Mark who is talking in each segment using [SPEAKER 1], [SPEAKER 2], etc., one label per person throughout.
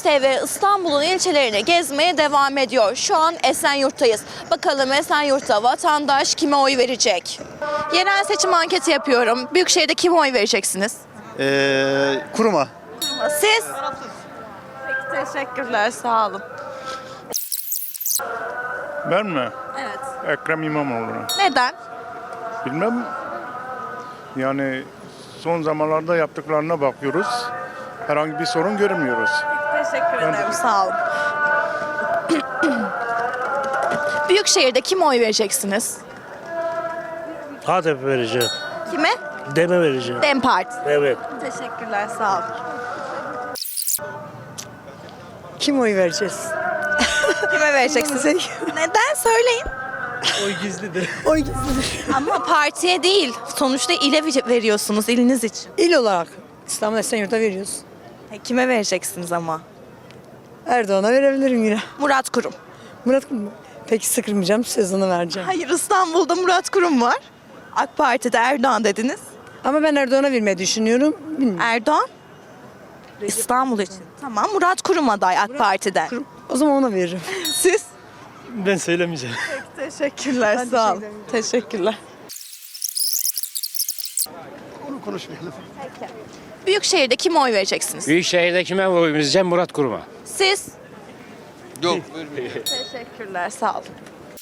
[SPEAKER 1] Fox TV İstanbul'un ilçelerini gezmeye devam ediyor. Şu an Esenyurt'tayız. Bakalım Esenyurt'ta vatandaş kime oy verecek? Yerel seçim anketi yapıyorum. Büyükşehir'de kime oy vereceksiniz?
[SPEAKER 2] Kuruma.
[SPEAKER 1] Siz? Peki, teşekkürler, sağ olun.
[SPEAKER 3] Ben mi?
[SPEAKER 1] Evet.
[SPEAKER 3] Ekrem İmamoğlu'na.
[SPEAKER 1] Neden?
[SPEAKER 3] Bilmem. Yani son zamanlarda yaptıklarına bakıyoruz. Herhangi bir sorun görmüyoruz.
[SPEAKER 1] Teşekkür ederim, sağ olun. Büyükşehir'de kime oy vereceksiniz?
[SPEAKER 4] HDP vereceğim.
[SPEAKER 1] Kime?
[SPEAKER 4] Deme vereceğim.
[SPEAKER 1] DEM Parti.
[SPEAKER 4] Evet.
[SPEAKER 1] Teşekkürler, sağ olun.
[SPEAKER 5] Kim oy vereceğiz?
[SPEAKER 1] Kime vereceksiniz? Neden? Söyleyin.
[SPEAKER 4] Oy gizlidir.
[SPEAKER 5] Oy gizlidir.
[SPEAKER 1] Ama partiye değil. Sonuçta ile veriyorsunuz, iliniz için.
[SPEAKER 5] İl olarak İstanbul Esenyurt'a veriyoruz.
[SPEAKER 1] Kime vereceksiniz ama?
[SPEAKER 5] Erdoğan'a verebilirim yine.
[SPEAKER 1] Murat Kurum.
[SPEAKER 5] Murat Kurum. Peki sıkılmayacağım, sözünü vereceğim.
[SPEAKER 1] Hayır, İstanbul'da Murat Kurum var. AK Parti'de Erdoğan dediniz.
[SPEAKER 5] Ama ben Erdoğan'a vermeyi düşünüyorum. Bilmiyorum.
[SPEAKER 1] Erdoğan? İstanbul için. Tamam, Murat Kurum aday AK Parti'den.
[SPEAKER 5] O zaman ona veririm.
[SPEAKER 1] Siz?
[SPEAKER 4] Ben söylemeyeceğim.
[SPEAKER 1] Teşekkürler,
[SPEAKER 5] Ben
[SPEAKER 1] sağ olun.
[SPEAKER 5] teşekkür ederim.
[SPEAKER 1] Teşekkürler.
[SPEAKER 2] Onu konuşmayalım.
[SPEAKER 1] Büyükşehir'de kime oy vereceksiniz?
[SPEAKER 6] Büyükşehir'de kime oy vereceğim? Murat Kurum'a.
[SPEAKER 1] Siz?
[SPEAKER 2] Yok.
[SPEAKER 1] Teşekkürler, sağ olun.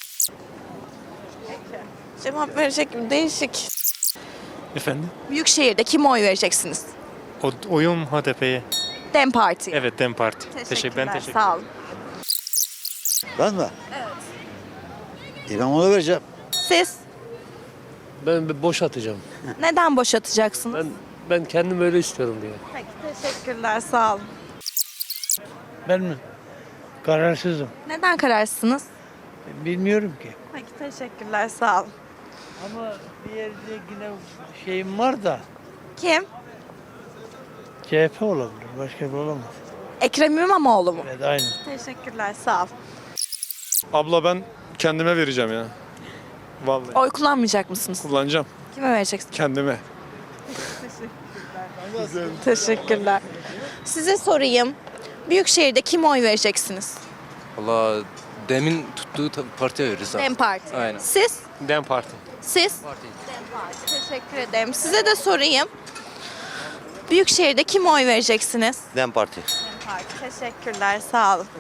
[SPEAKER 1] Cevap verecek mi? Değişik.
[SPEAKER 4] Efendim?
[SPEAKER 1] Büyükşehir'de kime oy vereceksiniz?
[SPEAKER 4] Oyum HDP'ye.
[SPEAKER 1] DEM Parti.
[SPEAKER 4] Evet, DEM Parti.
[SPEAKER 1] Teşekkürler, sağ olun.
[SPEAKER 2] Ben mi? Evet. İmamoğlu vereceğim.
[SPEAKER 1] Siz?
[SPEAKER 7] Ben boş atacağım.
[SPEAKER 1] Neden boşatacaksınız?
[SPEAKER 7] Ben kendim öyle istiyorum diye.
[SPEAKER 1] Peki, teşekkürler, sağ olun.
[SPEAKER 8] Ben mi? Kararsızım.
[SPEAKER 1] Neden kararsınız?
[SPEAKER 8] Bilmiyorum ki.
[SPEAKER 1] Peki, teşekkürler, sağ olun.
[SPEAKER 8] Ama bir yerde yine şeyim var da
[SPEAKER 1] Kim?
[SPEAKER 8] CHP olabilir. Başka bir olamaz.
[SPEAKER 1] Ekrem İmamoğlu mu?
[SPEAKER 8] Evet, aynı.
[SPEAKER 1] Teşekkürler, sağ olun.
[SPEAKER 9] Abla ben kendime vereceğim ya. Vallahi
[SPEAKER 1] Oy kullanmayacak mısınız?
[SPEAKER 9] kullanacağım
[SPEAKER 1] Kime vereceksiniz?
[SPEAKER 9] kendime.
[SPEAKER 1] Teşekkürler. Size sorayım. Büyükşehir'de kime oy vereceksiniz?
[SPEAKER 7] Valla demin tuttuğu partiye veririz abi.
[SPEAKER 1] DEM Parti.
[SPEAKER 7] Aynen.
[SPEAKER 1] Siz?
[SPEAKER 6] DEM Parti.
[SPEAKER 1] Siz? DEM Parti. Teşekkür ederim. Size de sorayım. Büyükşehir'de kime oy vereceksiniz?
[SPEAKER 2] DEM Parti.
[SPEAKER 1] DEM Parti. Teşekkürler. Sağ olun.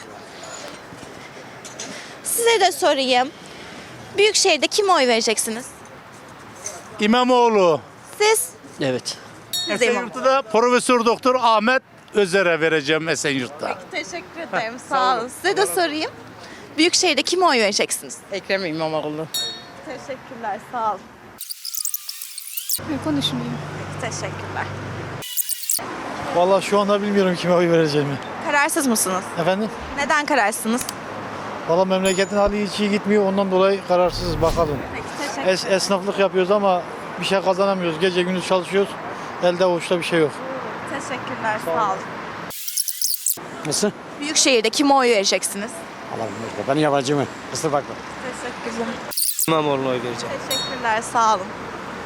[SPEAKER 1] Size de sorayım. Büyükşehir'de kime oy vereceksiniz?
[SPEAKER 3] İmamoğlu.
[SPEAKER 1] Siz?
[SPEAKER 7] Evet.
[SPEAKER 1] Siz de İmamoğlu.
[SPEAKER 3] Esenyurt'ta Profesör Doktor Ahmet Özer'e vereceğim Esenyurt'ta.
[SPEAKER 1] Teşekkür ederim. Sağ olun. Size de sorayım. Büyükşehir'de kime oy vereceksiniz?
[SPEAKER 5] Ekrem İmamoğlu.
[SPEAKER 1] Teşekkürler. Sağ olun.
[SPEAKER 10] Konuşmayayım.
[SPEAKER 1] Teşekkürler.
[SPEAKER 8] Vallahi şu anda bilmiyorum kime oy vereceğimi.
[SPEAKER 1] Kararsız mısınız?
[SPEAKER 8] Efendim?
[SPEAKER 1] Neden kararsınız?
[SPEAKER 8] Vallahi memleketin hali hiç iyi gitmiyor. Ondan dolayı kararsızız bakalım.
[SPEAKER 1] Peki, teşekkür
[SPEAKER 8] Esnaflık yapıyoruz ama bir şey kazanamıyoruz. Gece gündüz çalışıyoruz. Elde avuçta bir şey yok.
[SPEAKER 1] Teşekkürler. Sağ olun.
[SPEAKER 8] Nasıl?
[SPEAKER 1] Büyükşehir'de kime oy vereceksiniz?
[SPEAKER 8] Allah'ım ben yabancı mı? Kusura bakma.
[SPEAKER 1] Teşekkürler.
[SPEAKER 7] İmamoğlu'na oy vereceğim.
[SPEAKER 1] Teşekkürler. Sağ olun.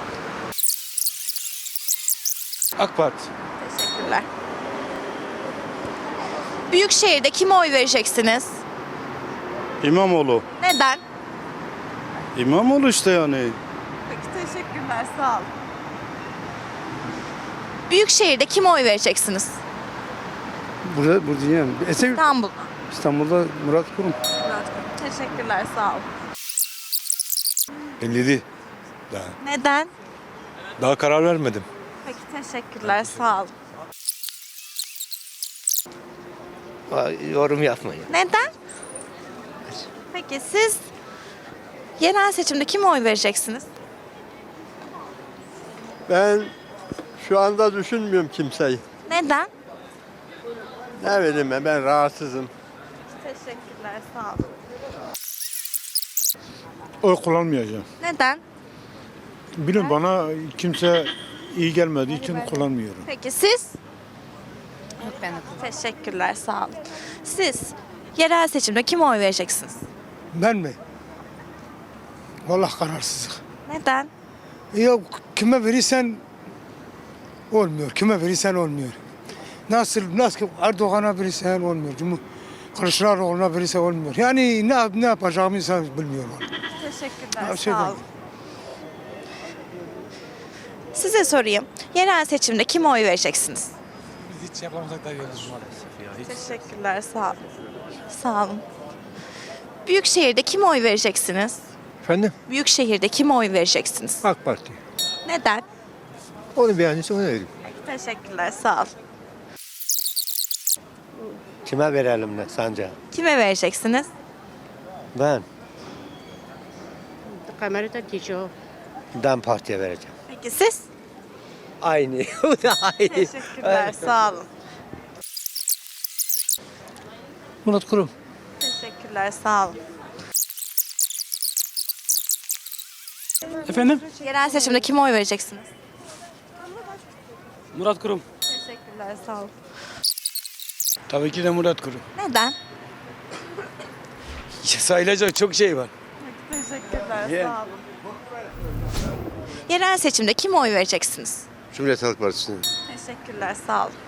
[SPEAKER 9] AK Parti.
[SPEAKER 1] Teşekkürler. Büyükşehir'de kime oy vereceksiniz?
[SPEAKER 3] İmamoğlu.
[SPEAKER 1] Neden?
[SPEAKER 3] İmamoğlu işte yani.
[SPEAKER 1] Peki, teşekkürler. Sağ olun. Büyükşehir'de kime oy vereceksiniz?
[SPEAKER 2] Burada diyeyim. Esenyurt.
[SPEAKER 1] İstanbul'da.
[SPEAKER 2] İstanbul'da Murat Kurum.
[SPEAKER 1] Murat Kurum. Teşekkürler. Sağ olun.
[SPEAKER 9] 57.
[SPEAKER 1] Neden?
[SPEAKER 9] Daha karar vermedim.
[SPEAKER 1] Peki, teşekkürler. Sağ olun.
[SPEAKER 7] Yorum yapmayın.
[SPEAKER 1] Neden? Peki siz yerel seçimde kime oy vereceksiniz?
[SPEAKER 11] Ben şu anda düşünmüyorum kimseyi.
[SPEAKER 1] Neden?
[SPEAKER 11] Ne bileyim ben rahatsızım.
[SPEAKER 1] Teşekkürler. Sağ olun.
[SPEAKER 3] Oy kullanmayacağım.
[SPEAKER 1] Neden?
[SPEAKER 3] Bilin bana kimse iyi gelmediği için kullanmıyorum.
[SPEAKER 1] Peki siz?
[SPEAKER 10] Yok, ben de.
[SPEAKER 1] Teşekkürler. Sağ olun. Siz yerel seçimde kime oy vereceksiniz?
[SPEAKER 8] Ben mi? Vallahi kararsızlık.
[SPEAKER 1] Neden?
[SPEAKER 8] Yok kime verirsen olmuyor. Kime verirsen olmuyor.
[SPEAKER 3] Nasıl Erdoğan'a verirsen olmuyor. Kılıçdaroğlu'na verirse olmuyor. Yani ne yapacağımızı bilmiyorum.
[SPEAKER 1] Teşekkürler.
[SPEAKER 3] Şey
[SPEAKER 1] Sağ olun. Size sorayım. Yerel seçimde kime oy vereceksiniz?
[SPEAKER 9] Hiç yapamasak da yiyoruz maalesef ya.
[SPEAKER 1] Teşekkürler. Sağ olun. Sağ olun. Büyükşehir'de kime oy vereceksiniz?
[SPEAKER 2] Efendim?
[SPEAKER 1] Büyükşehir'de kime oy vereceksiniz?
[SPEAKER 2] AK Parti.
[SPEAKER 1] Neden?
[SPEAKER 2] Onu beğendiyse ona vereyim.
[SPEAKER 1] Teşekkürler. Sağ olun.
[SPEAKER 2] Kime verelim ne sence?
[SPEAKER 1] Kime vereceksiniz?
[SPEAKER 2] Ben
[SPEAKER 10] Kamerada diyor.
[SPEAKER 2] DEM Parti'ye vereceğim.
[SPEAKER 1] Peki siz?
[SPEAKER 2] Aynı. O da aynı.
[SPEAKER 1] Teşekkürler. Sağ olun.
[SPEAKER 8] Murat Kurum.
[SPEAKER 1] Teşekkürler. Sağ olun.
[SPEAKER 8] Efendim?
[SPEAKER 1] Yerel seçimde kime oy vereceksiniz?
[SPEAKER 8] Murat Kurum.
[SPEAKER 1] Teşekkürler. Sağ olun.
[SPEAKER 8] Tabii ki de Murat Kurum.
[SPEAKER 1] Neden?
[SPEAKER 8] Sayılacak çok şey var.
[SPEAKER 1] Teşekkürler. Sağ olun. Yerel seçimde kime oy vereceksiniz?
[SPEAKER 11] Cumhuriyet Halk Partisi'ne.
[SPEAKER 1] Teşekkürler. Sağ olun.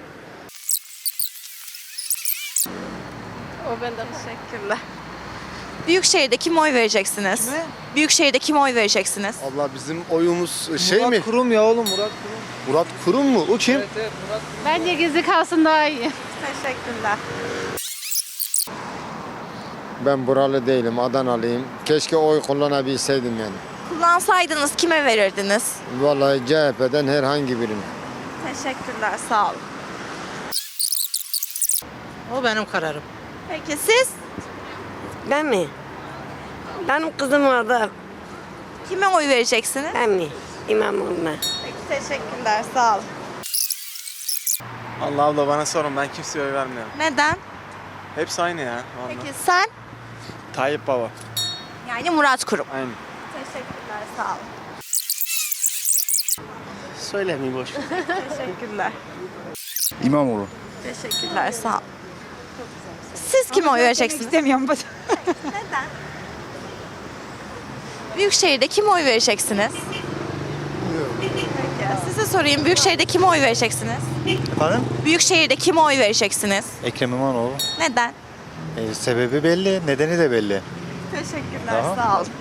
[SPEAKER 1] O benden. Teşekkürler. Büyükşehir'de kime oy vereceksiniz? Büyükşehir'de kime oy vereceksiniz?
[SPEAKER 11] Abla bizim oyumuz şey mi?
[SPEAKER 8] Kurum ya oğlum Murat Kurum.
[SPEAKER 11] Murat Kurum mu? O kim?
[SPEAKER 10] Bence gizli kalsın daha iyi.
[SPEAKER 1] Teşekkürler.
[SPEAKER 11] Ben buralı değilim, Adanalıyım. Keşke oy kullanabilseydim yani.
[SPEAKER 1] Kullansaydınız kime verirdiniz?
[SPEAKER 11] Vallahi CHP'den herhangi birini.
[SPEAKER 1] Teşekkürler. Sağ olun.
[SPEAKER 5] O benim kararım.
[SPEAKER 1] Peki siz?
[SPEAKER 5] Ben mi? Benim kızım orada.
[SPEAKER 1] Kime oy vereceksiniz?
[SPEAKER 5] Ben mi? İmamoğlu'na.
[SPEAKER 1] Peki teşekkürler. Sağ olun.
[SPEAKER 9] Allah abla bana sorun ben kimseye oy vermiyorum.
[SPEAKER 1] Neden?
[SPEAKER 9] Hepsi aynı ya.
[SPEAKER 1] Peki sen?
[SPEAKER 9] Tayyip Baba.
[SPEAKER 1] Yani Murat Kurum.
[SPEAKER 9] Aynen.
[SPEAKER 1] Teşekkürler. Sağ olun.
[SPEAKER 8] Söylemeyeyim boş.
[SPEAKER 1] Teşekkürler.
[SPEAKER 2] İmamoğlu.
[SPEAKER 1] Teşekkürler. Sağ olun. Siz kime oy vereceksiniz?
[SPEAKER 10] İstemiyorum.
[SPEAKER 1] Neden? Büyükşehir'de kime oy vereceksiniz? Peki. Size sorayım. Büyükşehir'de kime oy vereceksiniz?
[SPEAKER 2] Efendim?
[SPEAKER 1] Büyükşehir'de kime oy vereceksiniz?
[SPEAKER 2] Ekrem İmamoğlu.
[SPEAKER 1] Neden?
[SPEAKER 2] Sebebi belli, nedeni de belli.
[SPEAKER 1] Teşekkürler. Sağ olun.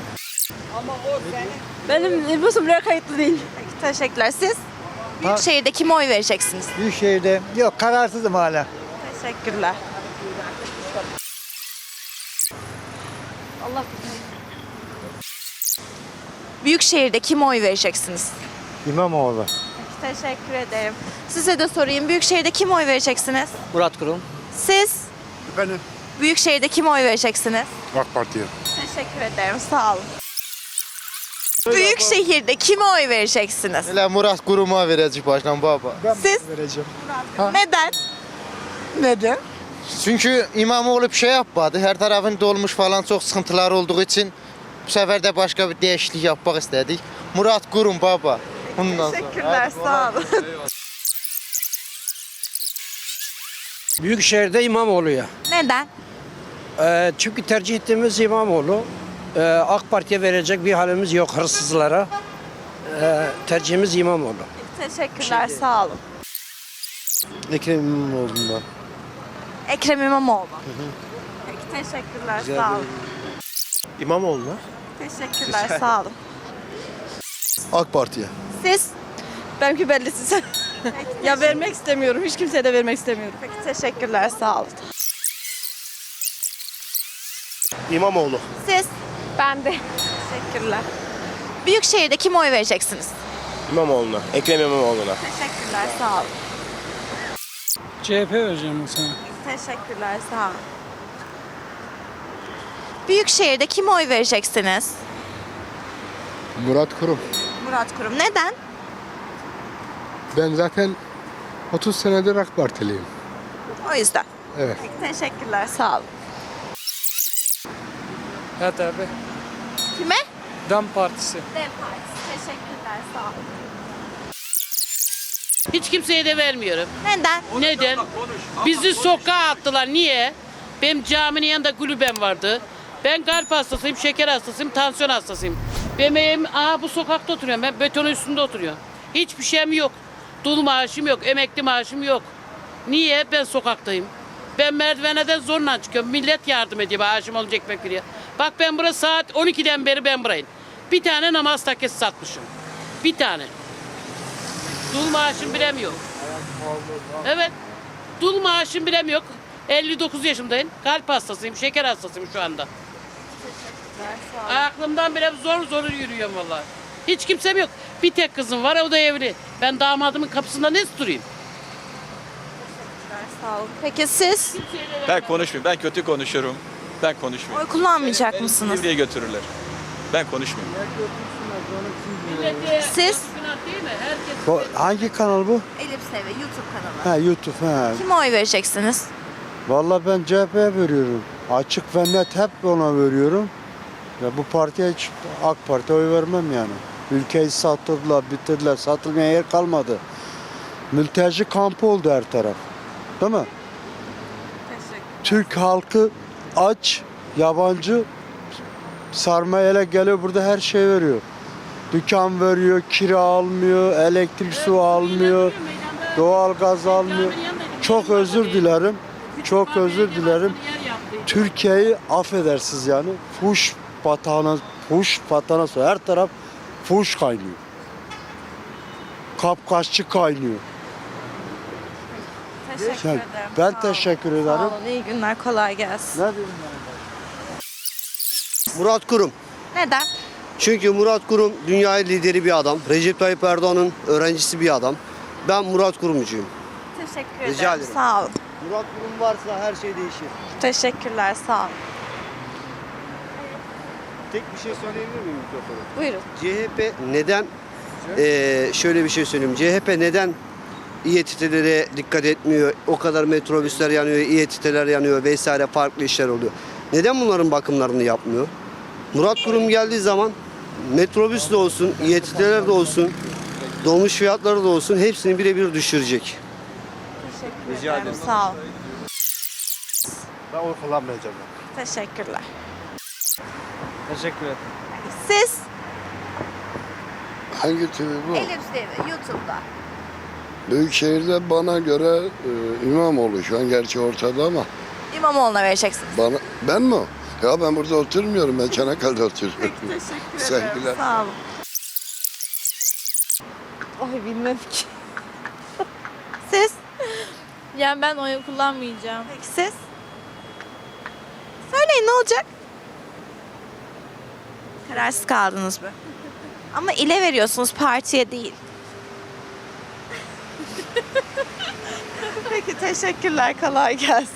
[SPEAKER 5] Benim nüfusum buraya kayıtlı değil.
[SPEAKER 1] Peki, teşekkürler. Siz? Büyükşehir'de kime oy vereceksiniz?
[SPEAKER 2] Büyükşehir'de yok kararsızım hala.
[SPEAKER 1] Teşekkürler. Büyükşehir'de kime oy vereceksiniz?
[SPEAKER 2] İmamoğlu.
[SPEAKER 1] Peki, teşekkür ederim. Size de sorayım. Büyükşehir'de kime oy vereceksiniz?
[SPEAKER 8] Murat Kurum.
[SPEAKER 1] Siz?
[SPEAKER 2] Efendim?
[SPEAKER 1] Büyükşehir'de kime oy vereceksiniz?
[SPEAKER 2] AK Parti'ye.
[SPEAKER 1] Teşekkür ederim. Sağ olun. Büyükşehir'de kime oy vereceksiniz?
[SPEAKER 11] Hele Murat Kurum'a vereceğiz başkan baba.
[SPEAKER 1] Siz?
[SPEAKER 2] Vereceğim.
[SPEAKER 1] Neden?
[SPEAKER 5] Neden?
[SPEAKER 11] Çünkü İmamoğlu bir şey yapmadı. Her tarafın dolmuş falan çok sıkıntılar olduğu için bu sefer de başka bir değişiklik yapmak istedik. Murat Kurum baba. Bundan sonra.
[SPEAKER 1] Teşekkürler. Sağ olun.
[SPEAKER 8] Büyükşehir'de İmamoğlu'ya.
[SPEAKER 1] Neden?
[SPEAKER 8] Çünkü tercih ettiğimiz İmamoğlu. AK Parti'ye verecek bir halimiz yok hırsızlara. Tercihimiz İmamoğlu.
[SPEAKER 1] Teşekkürler. Sağ olun.
[SPEAKER 11] Ekrem İmamoğlu'ndan.
[SPEAKER 1] Ekrem İmamoğlu. Peki, teşekkürler. Sağ olun.
[SPEAKER 9] İmamoğlu.
[SPEAKER 1] Teşekkürler. Sağ olun.
[SPEAKER 11] AK Parti'ye.
[SPEAKER 1] Siz?
[SPEAKER 5] Benimki belli size. Ya vermek istemiyorum. Hiç kimseye de vermek istemiyorum.
[SPEAKER 1] Peki, teşekkürler. Sağ olun.
[SPEAKER 9] İmamoğlu.
[SPEAKER 1] Siz?
[SPEAKER 10] Ben de.
[SPEAKER 1] Teşekkürler. Büyükşehir'de kime oy vereceksiniz?
[SPEAKER 9] İmamoğlu'na. Ekrem İmamoğlu'na.
[SPEAKER 1] Teşekkürler. Sağ olun.
[SPEAKER 8] CHP vereceğim sana.
[SPEAKER 1] Teşekkürler. Sağ olun. Büyükşehir'de kime oy vereceksiniz?
[SPEAKER 11] Murat Kurum.
[SPEAKER 1] Murat Kurum. Neden?
[SPEAKER 11] Ben zaten 30 senedir AK Partiliyim.
[SPEAKER 1] O yüzden.
[SPEAKER 11] Evet.
[SPEAKER 1] Peki, teşekkürler. Sağ olun.
[SPEAKER 4] HDP.
[SPEAKER 1] Kime?
[SPEAKER 4] DEM Partisi.
[SPEAKER 1] Dem Partisi. Teşekkürler. Sağ olun.
[SPEAKER 5] Hiç kimseye de vermiyorum.
[SPEAKER 1] Neden?
[SPEAKER 5] Neden? Bizi sokağa attılar. Niye? Benim caminin yanında kulübem vardı. Ben kalp hastasıyım, şeker hastasıyım, tansiyon hastasıyım. Benim evim bu sokakta oturuyorum. Ben betonun üstünde oturuyorum. Hiçbir şeyim yok. Dul maaşım yok, emekli maaşım yok. Niye? Ben sokaktayım. Ben merdiveneden zorla çıkıyorum. Millet yardım ediyor. Maaşım olunca ekmek veriyor. Bak ben burası saat 12'den beri ben burayım. Bir tane namaz takkesi satmışım. Bir tane. Dul maaşım bilem yok. Evet. Dul maaşım bilem yok. 59 yaşındayım. Kalp hastasıyım, şeker hastasıyım şu anda. Aklımdan bile zor yürüyorum vallahi. Hiç kimsem yok. Bir tek kızım var, o da evli. Ben damadımın kapısında ne durayım?
[SPEAKER 1] Sağ olun. Peki siz
[SPEAKER 12] Ben konuşmuyorum. Ben kötü konuşurum. Ben konuşmuyorum.
[SPEAKER 1] oy kullanmayacak mısınız?
[SPEAKER 12] Nereye götürürler? Ben konuşmuyorum.
[SPEAKER 1] Siz?
[SPEAKER 5] Günah değil mi? Herkes
[SPEAKER 2] Hangi kanal bu?
[SPEAKER 1] Elif Seve YouTube kanalı.
[SPEAKER 2] YouTube.
[SPEAKER 1] Kime oy vereceksiniz?
[SPEAKER 2] Vallahi ben CHP'ye veriyorum. Açık ve net hep ona veriyorum. Ya bu partiye hiç AK Parti'ye oy vermem yani. Ülkeyi satırdılar, bitirdiler. Satılmaya yer kalmadı. Mülteci kampı oldu her taraf. Değil mi? Türk halkı aç, yabancı sarmayla geliyor burada her şey veriyor. Dükkan veriyor, kira almıyor, elektrik su almıyor, doğal gaz almıyor. Çok özür dilerim. Çok özür dilerim. Türkiye'yi affedersiniz yani. Fuş patana her taraf fuş kaynıyor. Kapkaççı kaynıyor.
[SPEAKER 1] Teşekkür
[SPEAKER 2] Yani
[SPEAKER 1] ederim.
[SPEAKER 2] ben
[SPEAKER 1] Sağ olun.
[SPEAKER 2] teşekkür
[SPEAKER 1] Sağ
[SPEAKER 2] ederim.
[SPEAKER 1] olun. İyi günler. Kolay gelsin.
[SPEAKER 2] Ne diyeyim
[SPEAKER 8] Murat Kurum.
[SPEAKER 1] Neden?
[SPEAKER 8] Çünkü Murat Kurum dünya lideri bir adam. Recep Tayyip Erdoğan'ın öğrencisi bir adam. Ben Murat Kurumcuyum.
[SPEAKER 1] Teşekkür
[SPEAKER 8] Rica
[SPEAKER 1] ederim.
[SPEAKER 8] ederim.
[SPEAKER 1] Sağ olun.
[SPEAKER 8] Murat Kurum varsa her şey değişir.
[SPEAKER 1] Teşekkürler. Sağ olun.
[SPEAKER 9] Tek bir şey söyleyebilir miyim mikrofonu?
[SPEAKER 1] Buyurun.
[SPEAKER 8] CHP neden şöyle bir şey söyleyeyim. CHP neden İETT'lere dikkat etmiyor? O kadar metrobüsler yanıyor, İETT'ler yanıyor vesaire farklı işler oluyor. Neden bunların bakımlarını yapmıyor? Murat Kurum geldiği zaman metrobüs de olsun, İETT'ler de olsun, dolmuş fiyatları da olsun hepsini birebir düşürecek.
[SPEAKER 1] Teşekkür ederim. Sağ olun.
[SPEAKER 9] Ben oy kullanmayacağım.
[SPEAKER 1] Teşekkürler.
[SPEAKER 4] Teşekkür ederim.
[SPEAKER 1] Siz?
[SPEAKER 2] Hangi TV bu?
[SPEAKER 1] Elif Seve YouTube'da.
[SPEAKER 2] Büyükşehir'de bana göre İmamoğlu şu an gerçi ortada ama
[SPEAKER 1] İmamoğlu'na vereceksiniz.
[SPEAKER 2] ben mi? Ya ben burada oturmuyorum. Ben Çanakkale'de oturuyorum.
[SPEAKER 1] Teşekkür ederim.
[SPEAKER 2] Sevgiler.
[SPEAKER 1] Sağ olun. Ay bilmem ki. Siz?
[SPEAKER 10] Yani ben oy kullanmayacağım.
[SPEAKER 1] Peki siz? Söyleyin ne olacak? Kararsız kaldınız mı? Ama ile veriyorsunuz partiye değil. Peki teşekkürler. Kolay gelsin.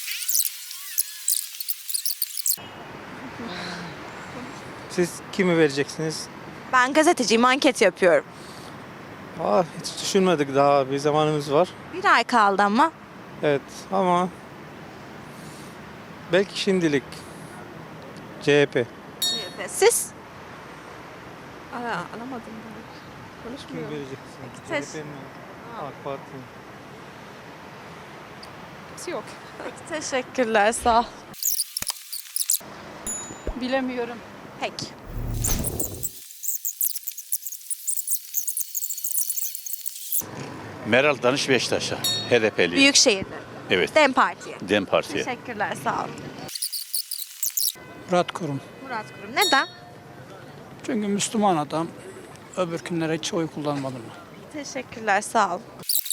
[SPEAKER 4] Siz kimi vereceksiniz?
[SPEAKER 1] Ben gazeteciyim. Anket yapıyorum.
[SPEAKER 4] Hiç düşünmedik daha. Bir zamanımız var.
[SPEAKER 1] Bir ay kaldı ama.
[SPEAKER 4] Evet ama belki şimdilik CHP.
[SPEAKER 1] Siz?
[SPEAKER 4] Kimi vereceksiniz?
[SPEAKER 1] Peki,
[SPEAKER 4] CHP mi? AK Parti mi?
[SPEAKER 1] Teşekkürler. Sağ ol.
[SPEAKER 10] Bilemiyorum.
[SPEAKER 1] Peki.
[SPEAKER 12] Meral Danış Beşiktaş'a. HDP'li.
[SPEAKER 1] Büyükşehir'de.
[SPEAKER 12] Evet.
[SPEAKER 1] DEM Parti'ye.
[SPEAKER 12] Dem Parti'ye.
[SPEAKER 1] Teşekkürler. Sağ ol.
[SPEAKER 4] Murat Kurum.
[SPEAKER 1] Murat Kurum. Neden?
[SPEAKER 4] Çünkü Müslüman adam. Öbür günlere hiç oy kullanmadım.
[SPEAKER 1] Teşekkürler. Sağ ol.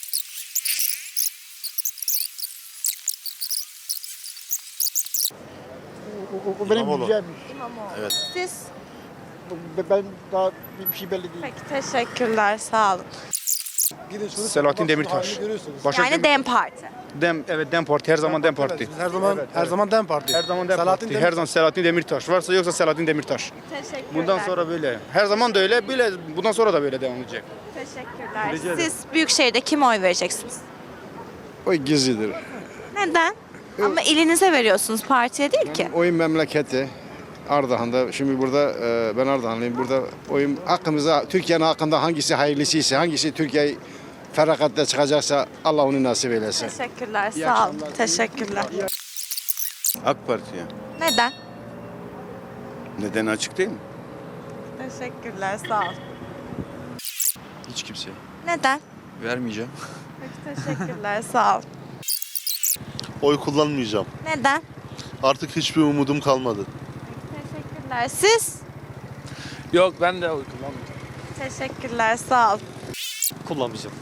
[SPEAKER 2] O benim güzelmiş.
[SPEAKER 1] İmamoğlu.
[SPEAKER 12] Evet.
[SPEAKER 1] Siz?
[SPEAKER 2] Ben daha bir şey belli değil.
[SPEAKER 1] Peki teşekkürler. Sağ olun.
[SPEAKER 9] Selahattin Demirtaş.
[SPEAKER 1] Yani DEM Parti.
[SPEAKER 9] Dem Parti her zaman Dem Parti.
[SPEAKER 2] Her zaman Dem Parti.
[SPEAKER 9] Her zaman Dem Parti. Her zaman Selahattin Demirtaş. Varsa yoksa Selahattin Demirtaş.
[SPEAKER 1] Teşekkürler.
[SPEAKER 9] Bundan sonra böyle. Her zaman da öyle. Böyle bundan sonra da böyle devam edecek.
[SPEAKER 1] Teşekkürler. Siz Büyükşehir'de kime oy vereceksiniz?
[SPEAKER 2] O gizlidir.
[SPEAKER 1] Neden? Ama ilinize veriyorsunuz, partiye değil ki.
[SPEAKER 2] Oyun memleketi. Ardahan'da. Şimdi burada ben Ardahanlıyım. Burada oyun hakkımıza, Türkiye'nin hakkında hangisi hayırlısıysa, hangisi Türkiye'yi ferakatle çıkacaksa Allah onu nasip eylesin.
[SPEAKER 1] Teşekkürler. Sağ olun. Teşekkürler.
[SPEAKER 12] AK Parti'ye.
[SPEAKER 1] Neden?
[SPEAKER 12] Neden açık değil mi?
[SPEAKER 1] Teşekkürler. Sağ ol.
[SPEAKER 12] Hiç kimse.
[SPEAKER 1] Neden?
[SPEAKER 12] Vermeyeceğim.
[SPEAKER 1] Peki teşekkürler sağ ol.
[SPEAKER 9] Oy kullanmayacağım.
[SPEAKER 1] Neden?
[SPEAKER 9] Artık hiçbir umudum kalmadı.
[SPEAKER 1] Teşekkürler. Siz?
[SPEAKER 6] Yok ben de oy kullanmayacağım.
[SPEAKER 1] Teşekkürler sağ ol.
[SPEAKER 6] Kullanmayacağım.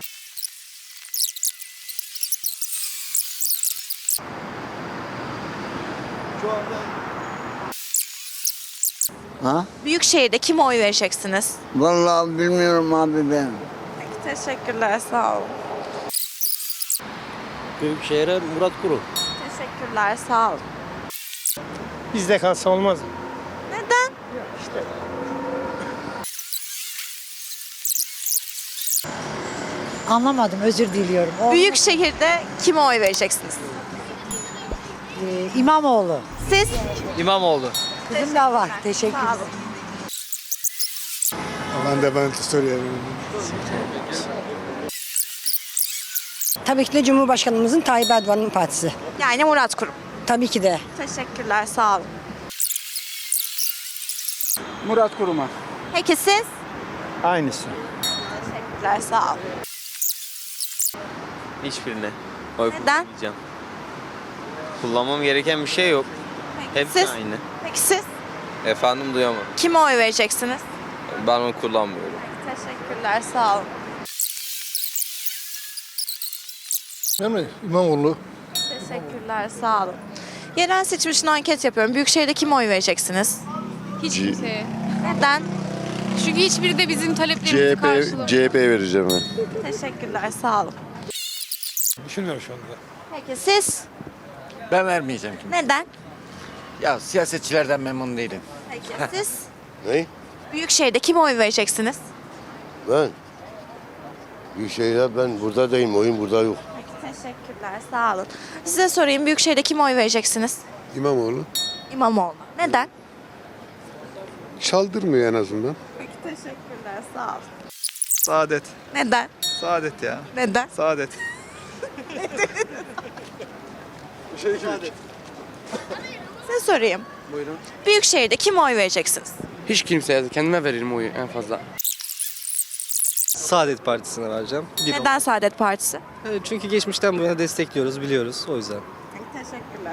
[SPEAKER 1] Büyükşehir'de kime oy vereceksiniz?
[SPEAKER 2] Vallahi bilmiyorum abi ben.
[SPEAKER 1] Peki teşekkürler sağ ol.
[SPEAKER 6] Büyükşehir'e Murat Kurum.
[SPEAKER 1] Teşekkürler sağ ol.
[SPEAKER 6] Bizde kalsa olmaz mı?
[SPEAKER 1] Neden?
[SPEAKER 10] Anlamadım, özür diliyorum.
[SPEAKER 1] Büyükşehir'de kime oy vereceksiniz?
[SPEAKER 10] İmamoğlu.
[SPEAKER 1] Siz?
[SPEAKER 7] İmamoğlu.
[SPEAKER 10] Kızım da var. Teşekkür
[SPEAKER 1] Sağ olun.
[SPEAKER 3] Ben soruyorum.
[SPEAKER 10] Tabii ki de Cumhurbaşkanımızın Tayyip Erdoğan'ın partisi.
[SPEAKER 1] Yani Murat Kurum.
[SPEAKER 10] Tabii ki de.
[SPEAKER 1] Teşekkürler sağ olun.
[SPEAKER 4] Murat Kurum'a.
[SPEAKER 1] Peki siz?
[SPEAKER 6] Aynısı.
[SPEAKER 1] Teşekkürler sağ olun.
[SPEAKER 7] Hiçbirine. Oy
[SPEAKER 1] Neden?
[SPEAKER 7] kullanmayacağım. Kullanmam gereken bir şey yok.
[SPEAKER 1] Peki
[SPEAKER 7] Hepsi
[SPEAKER 1] siz?
[SPEAKER 7] aynı.
[SPEAKER 1] Peki siz?
[SPEAKER 7] Efendim duyamadım.
[SPEAKER 1] Kime oy vereceksiniz?
[SPEAKER 7] Ben onu kullanmıyorum.
[SPEAKER 1] Teşekkürler sağ olun.
[SPEAKER 3] İmamoğlu.
[SPEAKER 1] Teşekkürler sağ olun. Yerel seçim için anket yapıyorum. Büyükşehir'de kime oy vereceksiniz?
[SPEAKER 10] Hiç kimseye.
[SPEAKER 1] Neden?
[SPEAKER 10] Çünkü hiçbiri de bizim taleplerimizi karşılamıyor.
[SPEAKER 9] CHP'ye vereceğim ben.
[SPEAKER 1] Teşekkürler sağ olun.
[SPEAKER 3] Düşünüyorum şu anda.
[SPEAKER 1] Peki siz?
[SPEAKER 6] Ben vermeyeceğim kim.
[SPEAKER 1] Neden?
[SPEAKER 6] Ya siyasetçilerden memnun değilim.
[SPEAKER 1] Peki siz?
[SPEAKER 9] Ne?
[SPEAKER 1] Büyükşehir'de kime oy vereceksiniz?
[SPEAKER 9] Ben? Büyükşehir'de ben burada değilim. Oyun burada yok.
[SPEAKER 1] Peki teşekkürler sağ olun. Size sorayım Büyükşehir'de kime oy vereceksiniz?
[SPEAKER 9] İmamoğlu.
[SPEAKER 1] İmamoğlu. Neden?
[SPEAKER 9] Çaldırmıyor en azından.
[SPEAKER 1] Peki teşekkürler sağ olun.
[SPEAKER 12] Saadet.
[SPEAKER 1] Neden?
[SPEAKER 12] Saadet ya.
[SPEAKER 1] Neden?
[SPEAKER 12] Saadet.
[SPEAKER 1] Size sorayım.
[SPEAKER 6] Buyurun.
[SPEAKER 1] Büyükşehir'de kime oy vereceksiniz?
[SPEAKER 6] Hiç kimseye kendime veririm oyu en fazla.
[SPEAKER 7] Saadet Partisi'ne vereceğim.
[SPEAKER 1] Neden Saadet Partisi?
[SPEAKER 7] Çünkü geçmişten bu yana destekliyoruz, biliyoruz. O yüzden.
[SPEAKER 1] Teşekkürler.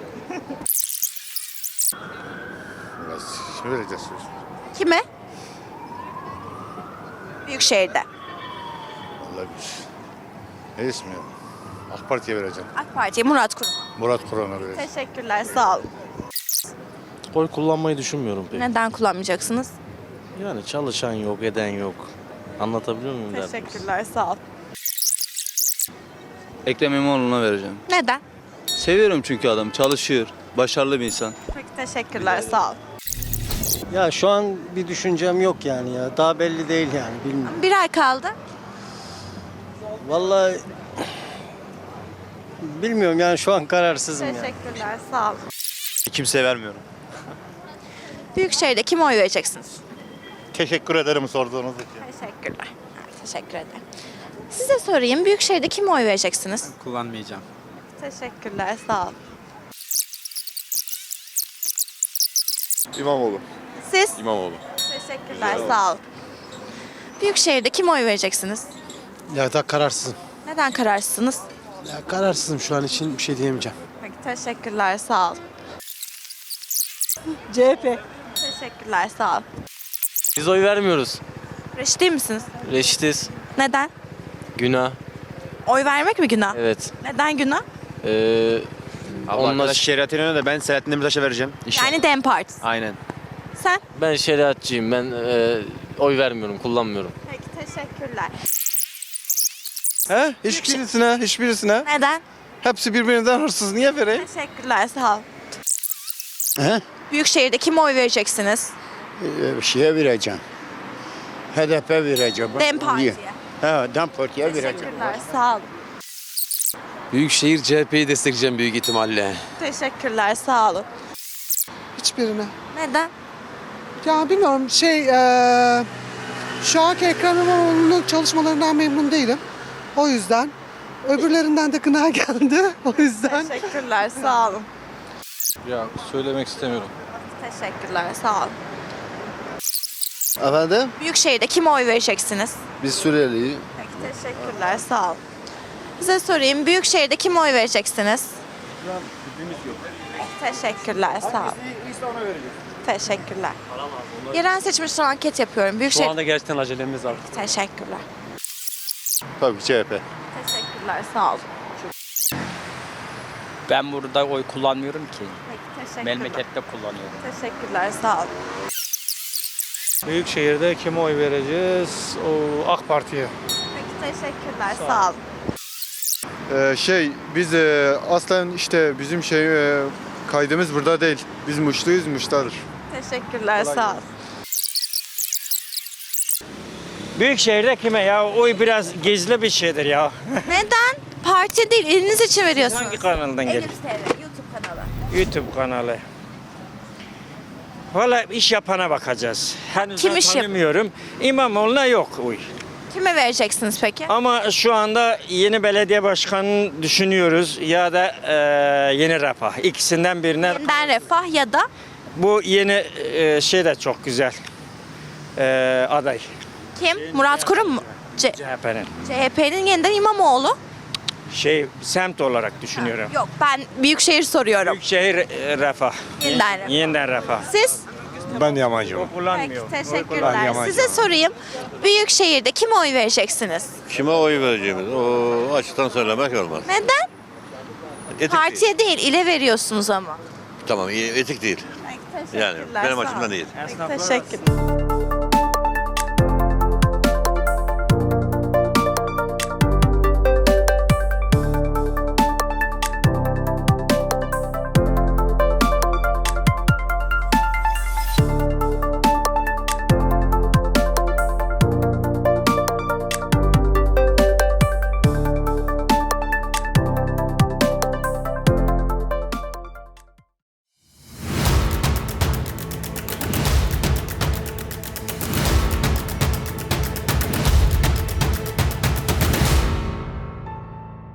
[SPEAKER 9] Vereceğiz.
[SPEAKER 1] Kime? Büyükşehir'de.
[SPEAKER 9] Vallahi ne ismi? AK Parti'ye vereceğim.
[SPEAKER 1] AK Parti'ye Murat Kurum.
[SPEAKER 9] Murat Kur'an'a vereceğim.
[SPEAKER 1] Teşekkürler sağ olun.
[SPEAKER 6] Oy kullanmayı düşünmüyorum pek.
[SPEAKER 1] Neden kullanmayacaksınız?
[SPEAKER 6] Yani çalışan yok, eden yok. Anlatabiliyor muyum derdim?
[SPEAKER 1] Teşekkürler sağ olun.
[SPEAKER 12] Ekrem İmamoğlu'na vereceğim.
[SPEAKER 1] Neden?
[SPEAKER 12] Seviyorum çünkü adam çalışıyor. Başarılı bir insan.
[SPEAKER 1] Peki teşekkürler sağ olun.
[SPEAKER 6] Ya şu an bir düşüncem yok yani ya. Daha belli değil yani bilmiyorum.
[SPEAKER 1] Bir ay kaldı.
[SPEAKER 6] Vallahi bilmiyorum yani şu an kararsızım ya.
[SPEAKER 1] Teşekkürler sağ olun.
[SPEAKER 12] Kimseye vermiyorum.
[SPEAKER 1] Büyükşehir'de kime oy vereceksiniz?
[SPEAKER 9] Teşekkür ederim sorduğunuz için.
[SPEAKER 1] Teşekkürler. Teşekkür ederim. Size sorayım Büyükşehir'de kime oy vereceksiniz?
[SPEAKER 7] Kullanmayacağım.
[SPEAKER 1] Teşekkürler sağ olun.
[SPEAKER 9] İmamoğlu.
[SPEAKER 1] Siz?
[SPEAKER 12] İmamoğlu.
[SPEAKER 1] Teşekkürler sağ olun. Büyükşehir'de kime oy vereceksiniz?
[SPEAKER 6] Ya da kararsızım.
[SPEAKER 1] Neden kararsızsınız?
[SPEAKER 6] Ya kararsızım şu an için bir şey diyemeyeceğim.
[SPEAKER 1] Peki teşekkürler sağ olun.
[SPEAKER 10] CHP.
[SPEAKER 1] Teşekkürler sağ olun.
[SPEAKER 6] Biz oy vermiyoruz.
[SPEAKER 1] Reşit değil misiniz?
[SPEAKER 6] Reşitiz.
[SPEAKER 1] Neden?
[SPEAKER 6] Günah.
[SPEAKER 1] Oy vermek mi günah?
[SPEAKER 6] Evet.
[SPEAKER 1] Neden günah?
[SPEAKER 6] Onlar
[SPEAKER 12] şeriatine de ben Selahattin Demirtaş'a vereceğim.
[SPEAKER 1] Yani DEM Partisi.
[SPEAKER 12] Aynen.
[SPEAKER 1] Sen?
[SPEAKER 6] ben şeriatçıyım. Ben oy vermiyorum, kullanmıyorum.
[SPEAKER 1] Peki teşekkürler.
[SPEAKER 12] He? Hiçbirisine.
[SPEAKER 1] Neden?
[SPEAKER 12] Hepsi birbirinden hırsız. Niye vereyim?
[SPEAKER 1] Teşekkürler sağ olun.
[SPEAKER 2] He?
[SPEAKER 1] Büyükşehir'de kime oy vereceksiniz?
[SPEAKER 2] Şeye vereceğim. HDP vereceğim.
[SPEAKER 1] DEM Parti'ye.
[SPEAKER 2] He, DEM Parti'ye vereceğim.
[SPEAKER 1] Teşekkürler sağ olun.
[SPEAKER 6] Büyükşehir CHP'yi destekleyeceğim büyük ihtimalle.
[SPEAKER 1] Teşekkürler sağ olun.
[SPEAKER 3] Hiçbirine.
[SPEAKER 1] Neden?
[SPEAKER 3] Ya bilmiyorum şu anki Ekrem İmamoğlu'nun çalışmalarından memnun değilim. O yüzden. Öbürlerinden de gına geldi. O yüzden.
[SPEAKER 1] Teşekkürler sağ olun.
[SPEAKER 12] Ya söylemek istemiyorum.
[SPEAKER 1] Teşekkürler sağ olun.
[SPEAKER 9] Efendim?
[SPEAKER 1] Büyükşehir'de kime oy vereceksiniz?
[SPEAKER 9] Biz Suriyeliyiz.
[SPEAKER 1] Peki Teşekkürler, sağ ol. Size sorayım, Büyükşehir'de kime oy vereceksiniz? Teşekkürler, sağ ol. Teşekkürler. Yerel seçim için anket yapıyorum. Büyükşehir.
[SPEAKER 7] Şu anda gerçekten acelemiz var.
[SPEAKER 1] Teşekkürler.
[SPEAKER 9] Tabii ki CHP.
[SPEAKER 1] Teşekkürler, sağ ol.
[SPEAKER 7] Ben burada oy kullanmıyorum ki.
[SPEAKER 1] Peki, teşekkürler.
[SPEAKER 7] Memlekette kullanıyorum.
[SPEAKER 1] Teşekkürler, sağ ol.
[SPEAKER 3] Büyükşehir'de kime oy vereceğiz? O AK Parti'ye.
[SPEAKER 1] Peki, teşekkürler, sağ ol.
[SPEAKER 2] Biz aslen işte bizim kaydımız burada değil. Biz Muşluyuz, Muş'tadır.
[SPEAKER 1] Teşekkürler, sağ ol.
[SPEAKER 3] Büyükşehir'de kime ya? Oy biraz gizli bir şeydir ya.
[SPEAKER 1] Neden? Parti değil, eliniz için veriyorsunuz.
[SPEAKER 3] Hangi kanaldan
[SPEAKER 1] Elif
[SPEAKER 3] geliyor?
[SPEAKER 1] TV, YouTube kanalı.
[SPEAKER 3] YouTube kanalı. Valla iş yapana bakacağız. Henüz
[SPEAKER 1] Kim
[SPEAKER 3] daha
[SPEAKER 1] iş yap-
[SPEAKER 3] tanımıyorum. İmamoğlu'na yok oy.
[SPEAKER 1] Kime vereceksiniz peki?
[SPEAKER 3] Ama şu anda yeni belediye başkanını düşünüyoruz ya da yeni Refah. İkisinden birine.
[SPEAKER 1] Yeniden Refah ya da
[SPEAKER 3] Bu yeni şey de çok güzel aday.
[SPEAKER 1] kim? Murat Kurum mu?
[SPEAKER 3] CHP'nin.
[SPEAKER 1] CHP'nin yeniden İmamoğlu.
[SPEAKER 3] Semt olarak düşünüyorum.
[SPEAKER 1] Yok, ben Büyükşehir soruyorum.
[SPEAKER 3] Büyükşehir Refah.
[SPEAKER 1] Yeniden Refah.
[SPEAKER 3] Yeniden Refah.
[SPEAKER 1] Siz?
[SPEAKER 9] Ben Yamancıyım.
[SPEAKER 3] O kullanmıyor.
[SPEAKER 1] Peki, teşekkürler. Size sorayım. Büyükşehir'de kime oy vereceksiniz?
[SPEAKER 9] Kime oy vereceğimiz? O açıktan söylemek olmaz.
[SPEAKER 1] Neden?
[SPEAKER 9] Etik
[SPEAKER 1] Partiye değil, ile veriyorsunuz ama.
[SPEAKER 9] Tamam, etik değil.
[SPEAKER 1] Peki,
[SPEAKER 9] Yani
[SPEAKER 1] teşekkürler,
[SPEAKER 9] benim
[SPEAKER 1] sağ
[SPEAKER 9] açımdan
[SPEAKER 1] ol.
[SPEAKER 9] değil.
[SPEAKER 1] Peki, teşekkür.